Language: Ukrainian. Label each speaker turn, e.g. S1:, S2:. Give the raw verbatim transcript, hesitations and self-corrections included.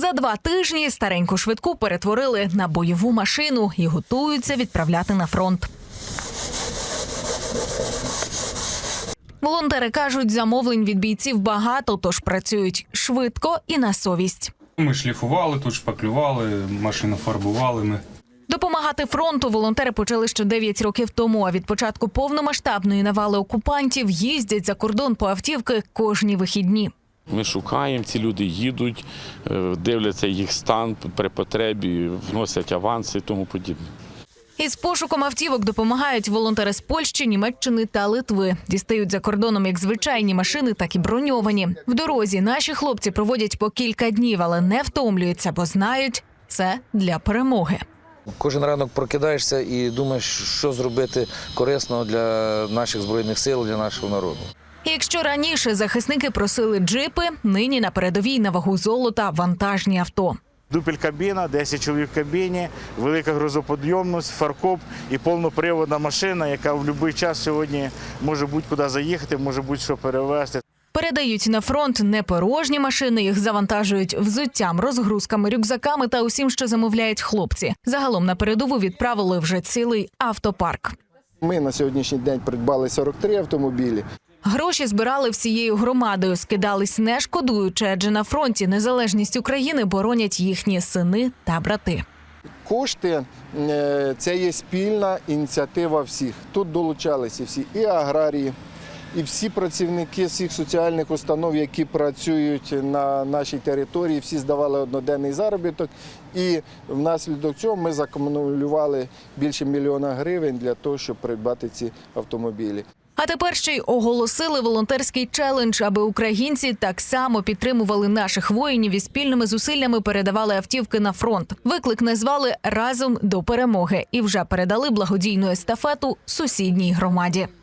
S1: За два тижні стареньку швидку перетворили на бойову машину і готуються відправляти на фронт. Волонтери кажуть, замовлень від бійців багато, тож працюють швидко і на совість.
S2: Ми шліфували, тут шпаклювали, машину фарбували ми.
S1: Допомагати фронту волонтери почали ще дев'ять років тому, а від початку повномасштабної навали окупантів їздять за кордон по автівки кожні вихідні.
S3: Ми шукаємо, ці люди їдуть, дивляться їх стан при потребі, вносять аванси і тому подібне.
S1: Із пошуком автівок допомагають волонтери з Польщі, Німеччини та Литви. Дістають за кордоном як звичайні машини, так і броньовані. В дорозі наші хлопці проводять по кілька днів, але не втомлюються, бо знають – це для перемоги.
S4: Кожен ранок прокидаєшся і думаєш, що зробити корисного для наших Збройних сил, для нашого народу.
S1: Якщо раніше захисники просили джипи, нині на передовій на вагу золота вантажні авто.
S5: Дупель-кабіна, десять чоловік в кабіні, велика грузоподйомність, фаркоп і повноприводна машина, яка в будь-який час сьогодні може будь-куди заїхати, може будь-що перевезти.
S1: Передають на фронт не порожні машини, їх завантажують взуттям, розгрузками, рюкзаками та усім, що замовляють хлопці. Загалом на передову відправили вже цілий автопарк.
S6: Ми на сьогоднішній день придбали сорок три автомобілі.
S1: Гроші збирали всією громадою, скидались не шкодуючи, адже на фронті незалежність України боронять їхні сини та брати.
S6: Кошти – це є спільна ініціатива всіх. Тут долучалися всі і аграрії, і всі працівники всіх соціальних установ, які працюють на нашій території, всі здавали одноденний заробіток. І внаслідок цього ми закумулювали більше мільйона гривень для того, щоб придбати ці автомобілі.
S1: А тепер ще й оголосили волонтерський челендж, аби українці так само підтримували наших воїнів і спільними зусиллями передавали автівки на фронт. Виклик назвали «Разом до перемоги» і вже передали благодійну естафету сусідній громаді.